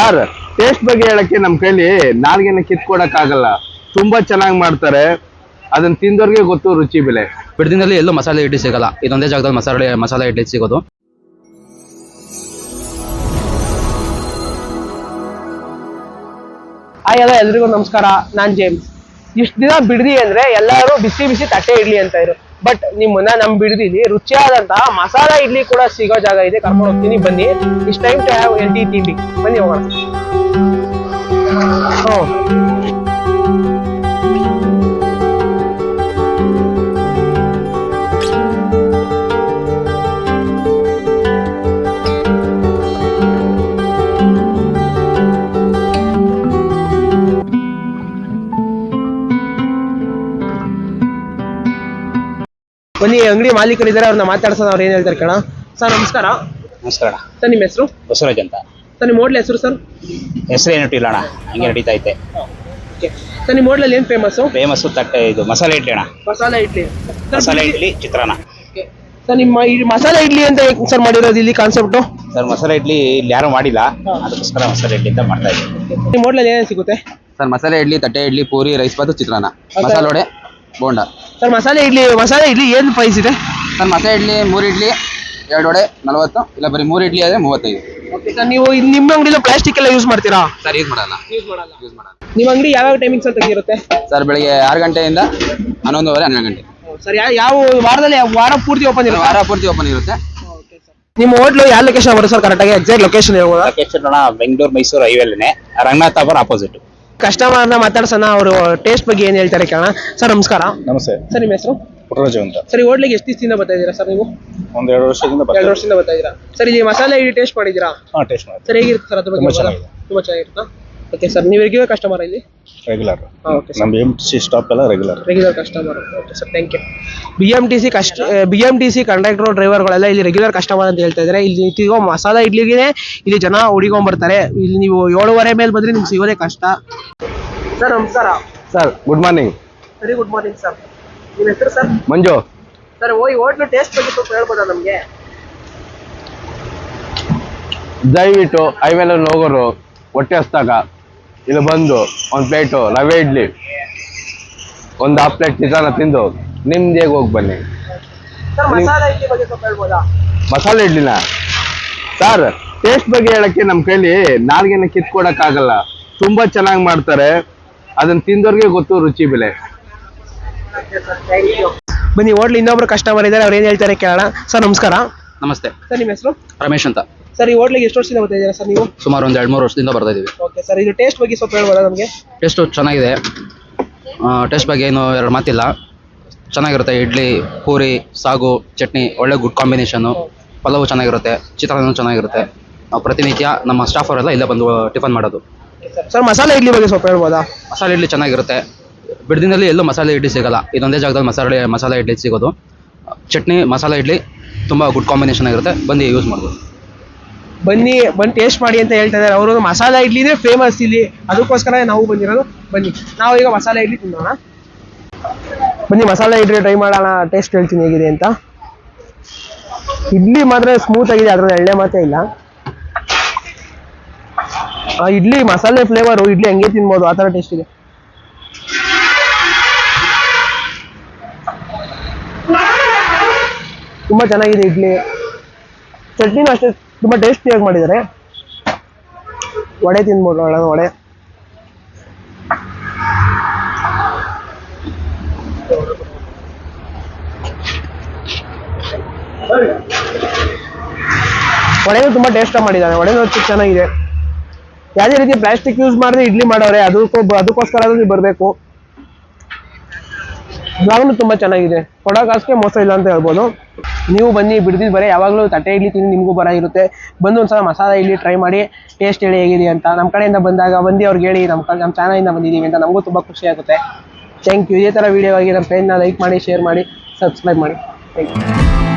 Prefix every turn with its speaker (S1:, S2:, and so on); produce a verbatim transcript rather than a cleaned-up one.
S1: Sir taste ಬಗ್ಗೆ ಹೇಳಕ್ಕೆ ನಮ್ಮ ಕೈಲಿ ನಾಲ್ಗೆನ ಕಿತ್ಕೊಡಕ್ ಆಗಲ್ಲ. ತುಂಬಾ ಚೆನ್ನಾಗಿ ಮಾಡ್ತಾರೆ, ಅದನ್ನ ತಿಂದವ್ರಿಗೆ ಗೊತ್ತು ರುಚಿ ಬೆಲೆ.
S2: ಬಿಡದಿನಲ್ಲಿ ಎಲ್ಲೂ ಮಸಾಲೆ ಇಡ್ಲಿ ಸಿಗಲ್ಲ, ಇದೊಂದೇ ಜಾಗದಲ್ಲಿ ಮಸಾಲೆ ಮಸಾಲೆ ಇಡ್ಲಿ ಸಿಗೋದು.
S3: ಹಾಯ್ ಎಲ್ಲ ಎಲ್ರಿಗೂ ನಮಸ್ಕಾರ, ನಾನ್ ಜೇಮ್ಸ್. ಇಷ್ಟು ದಿನ ಬಿಡದಿ ಅಂದ್ರೆ ಎಲ್ಲರೂ ಬಿಸಿ ಬಿಸಿ ತಟ್ಟೆ ಇಡ್ಲಿ ಅಂತ ಇದ್ರು. ಬಟ್ ನಿಮ್ಮನ್ನ ನಮ್ ಬಿಡದಿಲಿ ರುಚಿಯಾದಂತಹ ಮಸಾಲಾ ಇಡ್ಲಿ ಕೂಡ ಸಿಗೋ ಜಾಗ ಇದೆ, ಕರ್ಕೊಂಡು ಹೋಗ್ತೀನಿ ಬನ್ನಿ. Is time to have healthy ತಿಂಡಿ, ಬನ್ನಿ ಹೋಗೋಣ. ಹ್ಮ್ ಬನ್ನಿ, ಅಂಗಡಿ ಮಾಲೀಕರಿದ್ದಾರೆ, ಅವ್ರನ್ನ ಮಾತಾಡ್ಸೋಣ. ಅವ್ರು ಏನ್ ಹೇಳ್ತಾರೆ ಕೇಳ. ಸರ್ ನಮಸ್ಕಾರ.
S4: ನಮಸ್ಕಾರ.
S3: ಸರ್ ನಿಮ್ಮ ಹೆಸರು?
S4: ಬಸವರಾಜ್ ಅಂತ.
S3: ಸರ್ ನಿಮ್ಮ ಹೋಟ್ಲ್ ಹೆಸರು? ಸರ್
S4: ಹೆಸರು ಏನು ಇಟ್ಟಿಲ್ಲ ಅಣ್ಣ, ಹಂಗೆ ನಡೀತಾ ಐತೆ.
S3: ಸರ್ ನಿಮ್ಮ ಹೋಟ್ಲಲ್ಲಿ ಏನ್ ಫೇಮಸ್?
S4: ಫೇಮಸ್ ತಟ್ಟೆ ಇದು ಮಸಾಲೆ ಇಡ್ಲಿ ಅಣ್ಣ.
S3: ಮಸಾಲಾ ಇಡ್ಲಿ.
S4: ಮಸಾಲೆ ಇಡ್ಲಿ ಚಿತ್ರಾನ್ನ.
S3: ಸರ್ ನಿಮ್ಮ ಮಸಾಲಾ ಇಡ್ಲಿ ಅಂತ ಸರ್ ಮಾಡಿರೋದು ಇಲ್ಲಿ ಕಾನ್ಸೆಪ್ಟ್?
S4: ಸರ್ ಮಸಾಲೆ ಇಡ್ಲಿ ಇಲ್ಲಿ ಯಾರು ಮಾಡಿಲ್ಲ, ಅದಕ್ಕೋಸ್ಕರ ಮಸಾಲೆ ಇಡ್ಲಿ ಅಂತ ಮಾಡ್ತಾ ಇದ್ದೀವಿ.
S3: ನಿಮ್ಮ ಹೋಟ್ಲಲ್ಲಿ ಏನೇನು ಸಿಗುತ್ತೆ?
S2: ಸರ್ ಮಸಾಲೆ ಇಡ್ಲಿ, ತಟ್ಟೆ ಇಡ್ಲಿ, ಪೂರಿ, ರೈಸ್ ಬಾತು, ಚಿತ್ರಾನ್ನ, ಮಸಾಲೆ ವಡೆ, ಬೋಂಡ. ಸರ್
S3: ಮಸಾಲೆ ಇಡ್ಲಿ ಮಸಾಲೆ ಇಡ್ಲಿ ಏನು ಪ್ರೈಸ್ ಇದೆ?
S2: ಸರ್ ಮಸಾಲೆ ಇಡ್ಲಿ ಮೂರು ಇಡ್ಲಿ ಎರಡು ವಡೆ ನಲವತ್ತು, ಇಲ್ಲ ಬರೀ ಮೂರು ಇಡ್ಲಿ ಆದರೆ ಮೂವತ್ತೈದು.
S3: ಸರ್ ನೀವು ನಿಮ್ಮ ಅಂಗಡಿలో ಪ್ಲಾಸ್ಟಿಕ್ ಎಲ್ಲ ಯೂಸ್ ಮಾಡ್ತೀರಾ?
S2: ಸರ್ ಯೂಸ್ ಮಾಡಲ್ಲ.
S3: ಯೂಸ್ ಮಾಡಲ್ಲ ಯೂಸ್ ಮಾಡಲ್ಲ ನಿಮ್ಮ ಅಂಗಡಿ ಯಾವ್ಯಾವ ಟೈಮಿಂಗ್ಸ್ ಅಂತ ಇರುತ್ತೆ?
S2: ಸರ್ ಬೆಳಿಗ್ಗೆ ಆರು ಗಂಟೆಯಿಂದ ಹನ್ನೊಂದುವರೆ ಹನ್ನೆರಡು ಗಂಟೆ.
S3: ಸರ್ ಯಾವ ವಾರದಲ್ಲಿ ವಾರ ಪೂರ್ತಿ ಓಪನ್ ಇರುತ್ತೆ?
S2: ವಾರ ಪೂರ್ತಿ ಓಪನ್ ಇರುತ್ತೆ.
S3: ನಿಮ್ಮ ಹೋಟ್ಲು ಯಾವ ಲೊಕೇಶನ್ ಬರುತ್ತೆ ಸರ್? ಕರೆಕ್ಟಾಗಿ ಎಕ್ಸಾಕ್ಟ್ ಲೊಕೇಶನ್ ಹೇಳ್ಬೋದಾ?
S4: ಲೊಕೇಶನ್ ಅಣ್ಣ ಬೆಂಗಳೂರು ಮೈಸೂರು ಹೈವೇಲೇ ರಂಗನಾಥಾಪುರ ಆಪೋಸಿಟ್.
S3: ಕಸ್ಟಮರ್ನ ಮಾತಾಡ್ಸೋಣ, ಅವರು ಟೇಸ್ಟ್ ಬಗ್ಗೆ ಏನ್ ಹೇಳ್ತಾರೆ ಕೇಳೋಣ. ಸರ್ ನಮಸ್ಕಾರ.
S5: ನಮಸ್ತೆ.
S3: ಸರ್ ನಿಮ್ಮ ಹೆಸರು?
S5: ಪುಟ್ಟರಾಜು ಅಂತ.
S3: ಸರ್ ಈ ಹೋಟ್ಲಿಗೆ ಎಷ್ಟು ದಿವಸದಿಂದ ಬರ್ತಾ ಇದ್ದೀರಾ ಸರ್ ನೀವು?
S5: ಒಂದ್ ಎರಡು ವರ್ಷದಿಂದ
S3: ಎರಡು ವರ್ಷದಿಂದ ಬರ್ತಾ ಇದ್ದೀರಾ. ಸರ್ ಇಲ್ಲಿ ಮಸಾಲೆ ಇಡ್ಲಿ ಟೇಸ್ಟ್ ಮಾಡಿದ್ದೀರಾ?
S5: ಹಾ, ಟೇಸ್ಟ್ ಮಾಡಿ.
S3: ಸರ್ ಹೇಗಿರುತ್ತೆ ಸರ್ ಅದ್ರ ಬಗ್ಗೆ?
S5: ತುಂಬಾ ಚೆನ್ನಾಗಿದೆ.
S3: ತುಂಬಾ ಚೆನ್ನಾಗಿರುತ್ತಾ? ಓಕೆ ಸರ್, ನೀವು ರೆಗ್ಯುಲರ್ ಕಸ್ಟಮರ್ ಇಲ್ಲಿ?
S5: ರೆಗ್ಯುಲರ್.
S3: ಓಕೆ ಸರ್,
S5: ನಮ್ಮ ಎಂ ಟಿ ಸಿ ಸ್ಟಾಪ್ ಎಲ್ಲ regular
S3: regular customer. Okay sir, thank you. B M T C ಕಷ್ಟ B M T C conductor ಡ್ರೈವರ್ಗಳೆಲ್ಲ ಇಲ್ಲಿ ರೆಗ್ಯುಲರ್ ಕಸ್ಟಮರ್ ಅಂತ ಹೇಳ್ತಾ ಇದ್ದಾರೆ. ಇಲ್ಲಿ ನಿಂತಿಗೋ ಮಸಾಲ ಇಡ್ಲಿಗೆ ಇಲ್ಲಿ ಜನ ಹುಡಿಕೊಂಡ್ ಬರ್ತಾರೆ. ಇಲ್ಲಿ ನೀವು ಏಳುವರೆ ಮೇಲೆ ಬಂದ್ರೆ ನಿಮ್ಗೆ ಸಿಗೋದೇ ಕಷ್ಟ. ಸರ್ ನಮಸ್ಕಾರ.
S1: Sir good morning.
S3: Very good morning sir. ನಿಮ್ಮ ಹೆಸರು ಸರ್?
S1: ಮಂಜು.
S3: ಸರ್ ಓ ಈ ಹೋಟ್ಲು ಟೇಸ್ಟ್ ಬಗ್ಗೆ ಸ್ವಲ್ಪ ಹೇಳ್ಬೋದಾ ನಮಗೆ?
S1: ದಯವಿಟ್ಟು ಹೈವೇಲ ಹೋಗೋರು ಹೊಟ್ಟೆ ಹಸ್ದಾಗ ಇಲ್ಲಿ ಬಂದು ಒಂದು ಪ್ಲೇಟು ರವೆ ಇಡ್ಲಿ, ಒಂದು ಹಾಫ್ ಪ್ಲೇಟ್ ಚಿತ್ರಾನ್ನ ತಿಂದು ನಿಮ್ದೇಗೆ ಹೋಗಿ ಬನ್ನಿ.
S3: ಸರ್ ಮಸಾಲ ಇಡ್ಲಿ ಬಗ್ಗೆ ಸ್ವಲ್ಪ ಹೇಳ್ಬೋದಾ?
S1: ಮಸಾಲೆ ಇಡ್ಲಿನ ಸರ್ ಟೇಸ್ಟ್ ಬಗ್ಗೆ ಹೇಳಕ್ಕೆ ನಮ್ಮ ಕೈಲಿ ನಾಲ್ಗೆನ ಕಿತ್ಕೊಡಕ್ ಆಗಲ್ಲ. ತುಂಬಾ ಚೆನ್ನಾಗಿ ಮಾಡ್ತಾರೆ, ಅದನ್ನ ತಿಂದವ್ರಿಗೆ ಗೊತ್ತು ರುಚಿ ಬೆಲೆ.
S3: ಬನ್ನಿ, ಹೋಟ್ಲ್ ಇನ್ನೊಬ್ರು ಕಸ್ಟಮರ್ ಇದ್ದಾರೆ, ಅವ್ರು ಏನ್ ಹೇಳ್ತಾರೆ ಕೇಳೋಣ. ಸರ್ ನಮಸ್ಕಾರ.
S2: ನಮಸ್ತೆ.
S3: ಸರ್ ನಿಮ್ಮ ಹೆಸರು?
S2: ರಮೇಶ್ ಅಂತ.
S3: ಸರ್ ಈ ಹೋಟ್ಲಿಗೆ ಎಷ್ಟು ವರ್ಷದಿಂದ ಬರ್ತಾ ಇದ್ದೀರಾ ಸರ್ ನೀವು?
S2: ಸುಮಾರು ಒಂದು ಎರಡು ಮೂರು ವರ್ಷದಿಂದ ಬರ್ತಾ ಇದೀವಿ.
S3: ಓಕೆ ಸರ್, ಇದು ಟೇಸ್ಟ್ ಬಗ್ಗೆ ಸ್ವಲ್ಪ ಹೇಳ್ಬೋದಾ ನಮಗೆ?
S2: ಟೇಸ್ಟು ಚೆನ್ನಾಗಿದೆ. ಟೇಸ್ಟ್ ಬಗ್ಗೆ ಏನು ಎರಡು ಮಾತಿಲ್ಲ, ಚೆನ್ನಾಗಿರುತ್ತೆ. ಇಡ್ಲಿ, ಪೂರಿ, ಸಾಗು, ಚಟ್ನಿ ಒಳ್ಳೆ ಗುಡ್ ಕಾಂಬಿನೇಷನ್ನು. ಪಲಾವು ಚೆನ್ನಾಗಿರುತ್ತೆ, ಚಿತ್ರಾನ್ನ ಚೆನ್ನಾಗಿರುತ್ತೆ. ನಾವು ಪ್ರತಿನಿತ್ಯ ನಮ್ಮ ಸ್ಟಾಫ್ ಅವರೆಲ್ಲ ಇಲ್ಲೇ ಬಂದು ಟಿಫನ್ ಮಾಡೋದು.
S3: ಸರ್ ಮಸಾಲೆ ಇಡ್ಲಿ ಬಗ್ಗೆ ಸ್ವಲ್ಪ ಹೇಳ್ಬೋದಾ?
S2: ಮಸಾಲೆ ಇಡ್ಲಿ ಚೆನ್ನಾಗಿರುತ್ತೆ. ಬಿಡದಿನಲ್ಲಿ ಎಲ್ಲೂ ಮಸಾಲೆ ಇಡ್ಲಿ ಸಿಗಲ್ಲ, ಇದೊಂದೇ ಜಾಗದಲ್ಲಿ ಮಸಾಲೆ ಮಸಾಲೆ ಇಡ್ಲಿ ಸಿಗೋದು. ಚಟ್ನಿ, ಮಸಾಲೆ ಇಡ್ಲಿ ತುಂಬ ಗುಡ್ ಕಾಂಬಿನೇಷನ್ ಆಗಿರುತ್ತೆ, ಬಂದು ಯೂಸ್ ಮಾಡ್ಬೋದು.
S3: ಬನ್ನಿ ಬಂದು ಟೇಸ್ಟ್ ಮಾಡಿ ಅಂತ ಹೇಳ್ತಾ ಇದ್ದಾರೆ ಅವರು. ಮಸಾಲ ಇಡ್ಲಿನೇ ಫೇಮಸ್ ಇಲ್ಲಿ, ಅದಕ್ಕೋಸ್ಕರ ನಾವು ಬಂದಿರೋದು. ಬನ್ನಿ ನಾವು ಈಗ ಮಸಾಲೆ ಇಡ್ಲಿ ತಿನ್ನೋಣ. ಬನ್ನಿ ಮಸಾಲೆ ಇಡ್ಲಿ ಟ್ರೈ ಮಾಡೋಣ, ಟೇಸ್ಟ್ ಹೇಳ್ತೀನಿ ಹೇಗಿದೆ ಅಂತ. ಇಡ್ಲಿ ಮಾತ್ರ ಸ್ಮೂತ್ ಆಗಿದೆ, ಅದ್ರಲ್ಲಿ ಎಳ್ಳೆ ಮಾತ್ರ ಇಲ್ಲ. ಆ ಇಡ್ಲಿ ಮಸಾಲೆ ಫ್ಲೇವರು ಇಡ್ಲಿ ಹಂಗೆ ತಿನ್ಬೋದು, ಆ ಥರ ಟೇಸ್ಟ್ ಇದೆ. ತುಂಬಾ ಚೆನ್ನಾಗಿದೆ ಇಡ್ಲಿ. ಚಟ್ನಿನೂ ಅಷ್ಟೇ ತುಂಬಾ ಟೇಸ್ಟಿಯಾಗಿ ಮಾಡಿದ್ದಾರೆ. ವಡೆ ತಿನ್ಬೋದು, ಒಳ್ಳೆ ವಡೆ. ವಡೆನೂ ತುಂಬಾ ಟೇಸ್ಟಾಗಿ ಮಾಡಿದ್ದಾನೆ, ವಡೆನೂ ಚೆನ್ನಾಗಿದೆ. ಯಾವುದೇ ರೀತಿ ಪ್ಲಾಸ್ಟಿಕ್ ಯೂಸ್ ಮಾಡಿದ್ರೆ ಇಡ್ಲಿ ಮಾಡೋರೆ, ಅದಕ್ಕೂ ಅದಕ್ಕೋಸ್ಕರ ನೀವು ಬರಬೇಕು. ಜಾಗನೂ ತುಂಬಾ ಚೆನ್ನಾಗಿದೆ, ಕೊಡೋ ಕಾಸಿಗೆ ಮೋಸ ಇಲ್ಲ ಅಂತ ಹೇಳ್ಬೋದು. ನೀವು ಬನ್ನಿ, ಬಿಡ್ದಿದ್ದು ಬರೀ ಯಾವಾಗಲೂ ತಟ್ಟೆ ಇಡ್ಲಿ ತಿಂದು ನಿಮಗೂ ಬರ ಇರುತ್ತೆ. ಬಂದು ಒಂದ್ಸಲ ಮಸಾಲ ಇಡ್ಲಿ ಟ್ರೈ ಮಾಡಿ, ಟೇಸ್ಟ್ ಹೇಳಿ ಹೇಗಿದೆ ಅಂತ. ನಮ್ಮ ಕಡೆಯಿಂದ ಬಂದಾಗ ಬಂದು ಅವ್ರಿಗೆ ಹೇಳಿ ನಮ್ಮ ಕಡೆ ನಮ್ಮ ಚಾನಲಿಂದ ಬಂದಿದ್ದೀವಿ ಅಂತ, ನಮಗೂ ತುಂಬ ಖುಷಿ ಆಗುತ್ತೆ. Thank you. ಇದೇ ಥರ ವೀಡಿಯೋ ಆಗಿ ನಮ್ಮ ಪೇಜ್ನ ಲೈಕ್ ಮಾಡಿ, ಶೇರ್ ಮಾಡಿ, ಸಬ್ಸ್ಕ್ರೈಬ್ ಮಾಡಿ. Thank you.